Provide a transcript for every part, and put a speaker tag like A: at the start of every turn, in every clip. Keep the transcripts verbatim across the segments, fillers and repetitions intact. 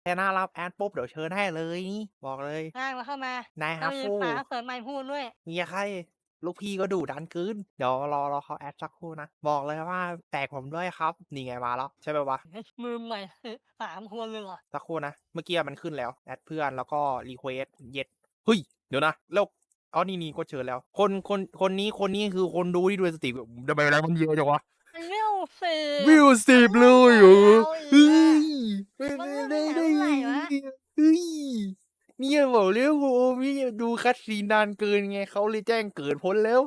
A: แค่หน้ารับแอดปุ๊บเดี๋ยวเชิญให้เลยนี่บอกเลย
B: ลากมาเข้ามาน
A: าย
B: แล้
A: ฮั
B: วมี
A: ฟฟู
B: ป๋าเปิดไมค์พูดด้วย
A: มีใครลูกพี่ก็ดุดันเกินเดี๋ยวรอรอเขาแอดสักครู่นะบอกเลยว่าแตกผมด้วยครับนี่ไงมาแล้วใช่ไหมวะ
B: เฮ้ยมือใหม่คือสามคนเลยเหรอ
A: สักครู่นะเมื่อกี้มันขึ้นแล้วแอดเพื่อนแล้วก็รีเควสเย็ดเฮ้ยเดี๋ยวนะแล้วอ๋อนี่นี่ก็เชิญแล้ว คนคนคนนี้คนนี้คือคนดูที่ดูสติทำไมอะไรมันเยอะจังวะ
B: มันเวลสิ
A: วิ
B: บ
A: วสิ
B: มัน
A: บเล
B: เริ่มกว่า
A: ยเหรอ
B: เราอีก
A: เฮ้
B: อะ
A: ยไม่
B: มัน
A: ได้
B: เริ่ม
A: ได้ได้
B: ตั้งแต่เมื่อไหร่วะ
A: เฮ้ยเนี่ยบอกเร็วโอ้พี่ดูคัดซีนนานเกินไงเขาเลยแจ้งเกิดพ้นแล้ว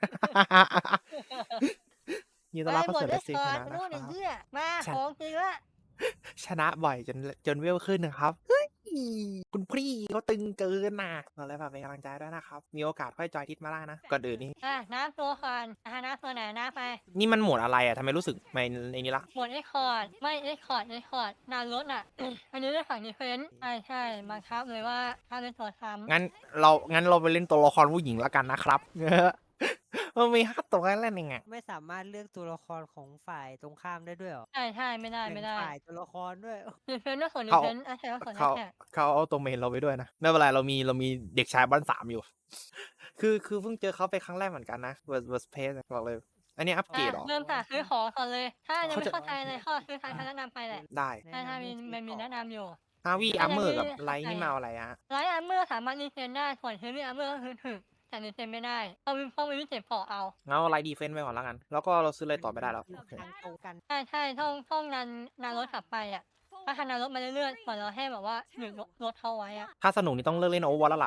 A: ยินดีต้อนรับเข้า
B: ไอ้หมด
A: สู่เลสซิ่ง
B: ได้คอร์ด
A: นะ
B: ไปนู่นไอ้
A: นะครับ
B: เหี้ยมา
A: ฉัน
B: ของจริงละ
A: ชนะบ่อยจนจนเวลขึ้นนะครับเฮ้ยคุณพี่เขาตึงเกินน่ะเราเลยฝากเป็นกำลังใจด้วยนะครับ มีโอกาสค่อยจอยทิศมาได้นะ ก่อนอื่นนี่
B: อ่ะน้ำตัวก่อนอ่ะน้ำตัวไหนน้ำไป
A: นี่มันโหมดอะไรอะทำไมรู้สึกไม่ในนี้ละ
B: หมดเอ็กคอร์ดไม่เอ็กคอร์ดเอ็กคอร์ดนานรถอ่ะ อันนี้ได้ฝั่งดีเฟนส์ใช่ใช่บังคับเลยว่าห้ามเล่นตัวซ้ำ
A: งั้นเรางั้นเราไปเล่นตัวละครผู้หญิงแล้วกันนะครับมันมีห้าตัวให้เล่นยังไง
C: ไม่สามารถเลือกตัวละครของฝ่ายตรงข้ามได้ด้วยเหรอ
B: ใช่ใช่ไม่ได้
C: แบ่ง
B: ไม่ได้
C: ฝ่ายตัวละครด้วย
B: ดีเฟนส์ต้องส่วนดี
A: เขา
B: เฟนส์แอทแทกก็ส่วนแอ
A: เขา
B: ทแทก
A: เขาเอาตัวเมนเราไปด้วยนะไม่เป็นไรเรามีเรามีเด็กชายบ้านสามอยู่ คือคือเพิ่งเจอเขาไปครั้งแรกเหมือนกันนะเวอร์เวอร์สเพสบอกเลย อันนี้อัปเกรดเหรอ
B: เริ่มจากซื้อของก่อนเลย ถ้ายัง
A: เขา
B: ไม่
A: จะ
B: เข้าใจเลยข้อซื้อทางแนะนำไปแหละ
A: ได้
B: ถ้าถ้ามีมันมีแนะนำอยู่
A: ฮาวี
B: ถ้า
A: อาร์
B: ยัง
A: เมอ
B: ไม่
A: ร์กับไล
B: เข้า
A: ท์
B: ใจ
A: นี่มาเอาอะไรอะ
B: ไลท์อาร์เมอร์สามารถรีเฟนได้ส่วนเฮฟวี่อาร์เมอร์ก็คือถึกแต่รีเฟนไม่ได้ต้องมีต้องมีวิเศษพอเอา
A: งั้นเอาไลท์ดีเฟนส์ไปก่อนแล้วกัน แล้วก็เราซื้ออะไรต่อไม่ได้แล้วโอเค
C: ทางตรงกัน
B: ใช่ใช่ท่องท่องนานนานรถขับไปอ่ะถ้าทานานรถมาเรื่อยๆก่อนเราให้แบบว่าหยุดรถเขาไว้อ่ะ
A: ถ้าสนุกนี่ต้องเลิกเล่นโอเวอร์วอตแล้วล่ะ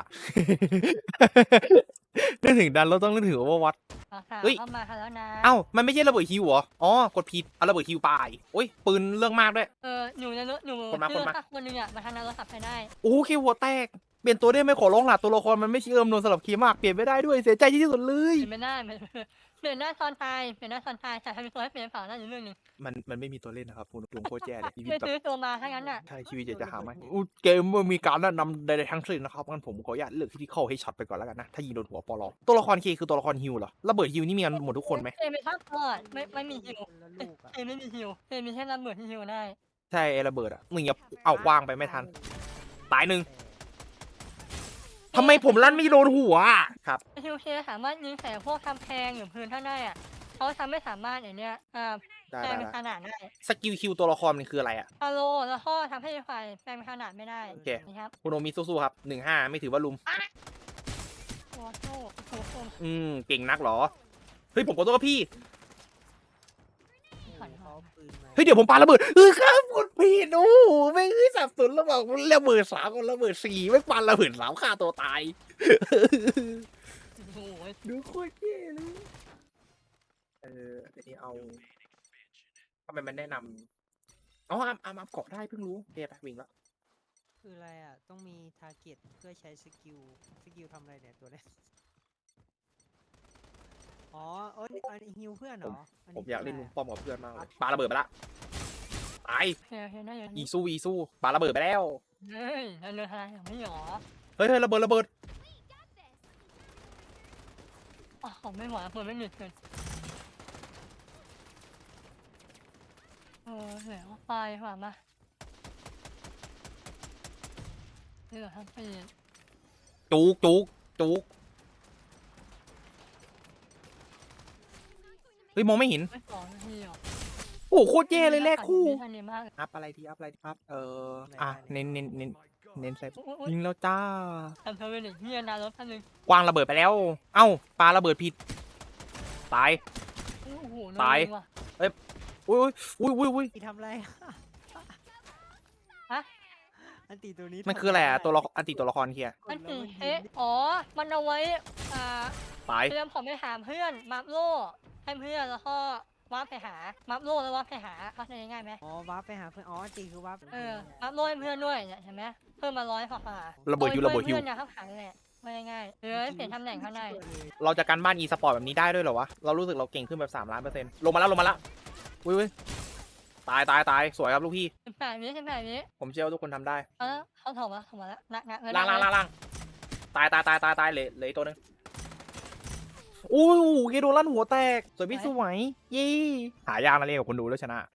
A: นึกถึงดันเราต้องนึกถึงโอเวอร์วอต
B: ราคา
A: เฮ้ย
B: เข้ามาค่ะแล้วนะ
A: เอ้ามันไม่ใช่ระเบิดฮิวเหรอ อ๋อกดผิดเอาระเบิดฮิวไปโอ้ยปืนเรื่องมากด้วย
B: เออหนูในรถหนู
A: คนมา
B: ชื่
A: คนมา
B: อสักคนหนึงอ่ะมาทานานรถขับไปได้
A: โอ้เคหัวแตก เปลี่ยนตัวได้ไหมขอร้องล่ะตัวละครมันไม่เชื่อมโดนสลับคีย์มาก เปลี่ยนไม่ได้ด้วยเสียใจที่สุดเลย
B: เปลี่ยนไม่ได้เปลี่ยนเปลี่ยนหน้าตอนตายเปลี่ยนหน้าตอนตายแต่ทำเป็นตัวให้เปลี่ยนเปล่านั่นอีกเรื่องหนึง
A: มันมันไม่มีตัวเล่นนะครับคุณลุงโคตรแย่เลยชีวิต
B: ไม่
A: แบบ
B: ซื้อตัวมาถ้างั้นอ่ะ
A: ใช่ชีวิตอยากจะหาไหมอู้เกมมันมีการแนะนำใดๆทั้งสิ้นนะครับงั้นผมขออนุญาตเลือกที่เข้าให้ช็อตไปก่อนแล้วกันนะ ถ้ายิงโดนหัวปลอตัวละครเคคือตัวละครฮิวเหรอ ระเบิดฮิวนี่มีกันหมดทุกคนไหม
B: เอไม่ทับก่อนไม่ไม่มีฮิว
C: คนละลูกอะ
B: เอไม่มีฮิวเอมีแค่ระเบิดที่ฮิวได้
A: ใช่ไอ้ระเบิดอ่ะมึงอย่าเอากว้างไปไม่ทัน ตายหนึ่งทำไมผมลั่นไม่โดนหัวอะครับ
B: ฮิวเคสามารถยิงใส่พวกทำแพงหรือพื้นท่านได้อ่ะเขาทำไม่สามารถอย่างเนี้ยอ่า
A: ได้
B: แปล
A: ได้
B: งเป็น
A: ได้
B: ขนาดได้
A: สกิลคิวตัวละครมันคืออะไรอ่ะ
B: ฮาโลแล้วก็ทำให้ไฟแปลงเป็นขนาดไม่ได้
A: โอเค
B: นะครับ
A: คุณโอมิสู้ๆครับหนึ่งห้าไม่ถือว่าลุม
B: โอ้โหโอ้โห
A: อืมเก่งนักเหรอ เฮ้ยผมขอโทษครับพี่
C: โอ้โหเขาเอาปืนมา
A: เฮ้ยเดี๋ยวผมปาระเบิดเออครับกดผิดโอ้โหไม่งเอ้ยสับสนระหว่างระเบิดสามกับระเบิดสี่ไม่ปาระเบิดสามฆ่าตัวตาย
B: โอ้โห
A: ดูโคตรเย่เลยเอออันนี้เอาทำไมมันแนะนำอ๋ออัมอัมอัมเกาะได้เพิ่งรู้เดี๋ยวไปวิ่งแล้ว
C: คืออะไรอ่ะ ต้องมีทาร์เก็ตเพื่อใช้สกิล สกิลทำอะไรเนี่ยตัวเนี้ยอ๋อเออนี่อันนี้ฮิวเพื่อนเหรออัน
A: ผม
C: นี้
A: อยากเล่น
C: คื
A: ลุ
C: อะ
A: ง
C: ไร
A: ป้อมกับเพื่อนมากเลยปาระเบิดไปละตาย
B: เฮ้ยเฮ้ยน่าอยู่
A: อี
B: นี่
A: สู้อีสู้ปาระเบิดไปแล้ว
B: เฮ้ยเราเรือทลายอย่างไม่หรอ
A: เฮ้ยเฮ้ยระเบิดระเบิด
B: อ๋อไม่ไหวเปิดไม่หยุดเกินเออเหลือไฟหว่ามาเหลือทั้งปี
A: จุกจุกจุกเฮ้ยมองไม่เห็น
B: ไม่สองนาทีหรอ
A: โอ้โหโคตรแย่เลยแลกคู่
B: ทันดีมาก
A: อัพอะไรดีอัพอะไรดีอัพเอออ่ะเน้นเน้นเน้นเน้นใส่ยิงแล้วจ้า
B: ทำเธอเป็นเด็กเฮียนานรถท่านหนึ่ง
A: กวางระเบิดไปแล้ว เอ้าปาระเบิดผิดตาย
B: โอ้โห
A: ตาย
B: ว่ะ
A: อุ้ยอุ้ยอุ้ยอุ้ย
C: ตีทำอะไร
B: ฮะ
C: อันตีตัวนี้
A: มันคืออะไรอะตัวละอันติตัวละครเคีย
C: ก
B: อั
C: ด
B: น
C: แล้ว
B: ตี
C: มัน
B: เอ๊ะ
C: ยิง
B: อ๋อ มันเอาไว้ อ่า
A: ตาย
B: เตรียมผมไปหาเพื่อน มัฟโล่ให้เพื่อนแล้วก็วาร์ปไปหา มัฟโล่แล้ววาร์ปไปหาเข้าใจง่ายไหม
C: อ๋อวาร์ปไปหาเพื่อน อ๋ออันตีคือวาร์ป
B: เออ มัฟโล่ให้เพื่อนด้วยเนี่ยเห็นไหมเพิ่มมาร้อยกว่า
A: ระเบิดฮิวระเบิดฮิว
B: เพื่อนนะข้างขังแหละไม่ง่ายๆเออเปลี่ยนตำแหน่งเขาได้
A: เราจะการบ้านอีสปอร์ตแบบนี้ได้ด้วยเหรอวะ เรารู้สึกเราเก่งขึ้นแบบสามล้านเปอร์เซ็นต์ลงมาแล้วลงมาแล้วอุ้ยอุ้ยตายตายตายสวยครับลูกพี่
B: สิบแปดวิสิบแปดวิ
A: ผมเชื่อว่าทุกคนทำได้
B: เอาแล้วเขาถมมาถมมาแล้วนักนักเออ
A: ล่าง
B: นั
A: ล่าก งล่างล่างตายตายตายตายตายเหลือเหลืออีกตัวหนึงอู้หูเกโดนลั่นหัวแตก สวยพี่สวยยี่หายากนะเรียกกับคนดูแล้วชนะ